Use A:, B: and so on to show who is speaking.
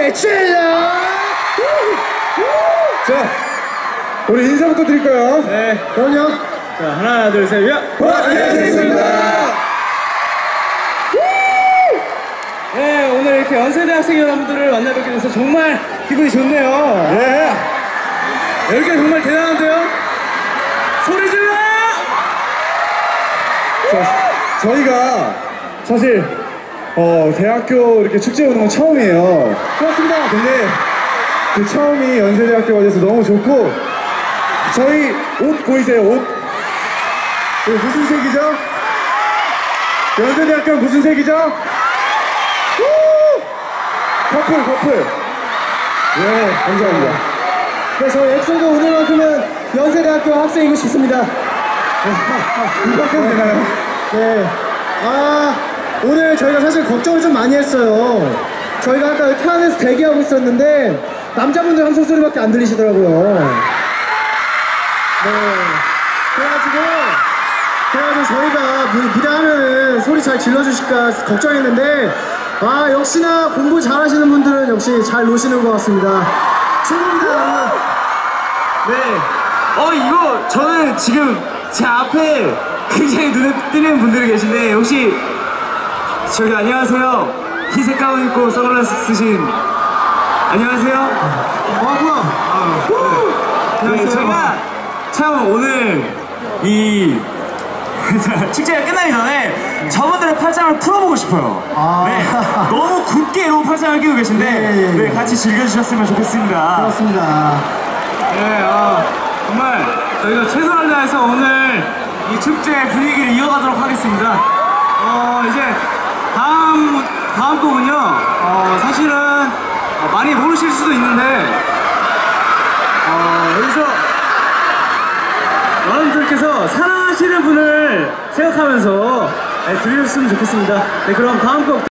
A: 소리 질러!
B: 자, 우리 인사부터 드릴까요?
A: 네, 그럼요. 자, 하나, 둘, 셋, 야!
B: 안녕하십니까.
A: 네, 오늘 이렇게 연세대 학생 여러분들을 만나뵙게 돼서 정말 기분이 좋네요.
B: 예.
A: 여기가 정말 대단한데요? 소리 질러!
B: 자, 저희가 사실 대학교 이렇게 축제 오는 건 처음이에요.
A: 고맙습니다.
B: 근데 그 처음이 연세대학교가 돼서 너무 좋고, 저희 옷 보이세요? 옷? 이거 무슨 색이죠? 연세대학교 무슨 색이죠? 커플. 네, 감사합니다.
A: 네, 저 엑소도 오늘만큼은 연세대학교 학생이고 싶습니다.
B: 이렇게 해도 되나요?
A: 네. 오늘 저희가 사실 걱정을 좀 많이 했어요. 저희가 아까 차 안에서 대기하고 있었는데 남자분들 함성 소리밖에 안 들리시더라고요. 네. 그래가지고 저희가 무대 하면은 소리 잘 질러주실까 걱정했는데, 역시나 공부 잘하시는 분들은 역시 잘 노시는 것 같습니다. 최고입니다.
C: 네. 이거 저는 지금 제 앞에 굉장히 눈에 띄는 분들이 계신데, 혹시 저기 안녕하세요. 흰색 가운 입고 선글라스 쓰신 안녕하세요.
A: 뭐야?
C: 네, 제가 참 오늘 이 축제가 끝나기 전에 저분들의 팔짱을 풀어보고 싶어요. 네, 너무 굳게 이러고 팔짱을 끼고 계신데 네, 같이 즐겨주셨으면 좋겠습니다.
A: 그렇습니다.
C: 네, 정말 저희가 최선을 다해서 오늘 이 축제 분위기를 이어가도록 하겠습니다. 이제 다음 곡은요, 사실은 많이 모르실 수도 있는데, 여기서 여러분들께서 사랑하시는 분을 생각하면서 들으셨으면 좋겠습니다. 네, 그럼 다음 곡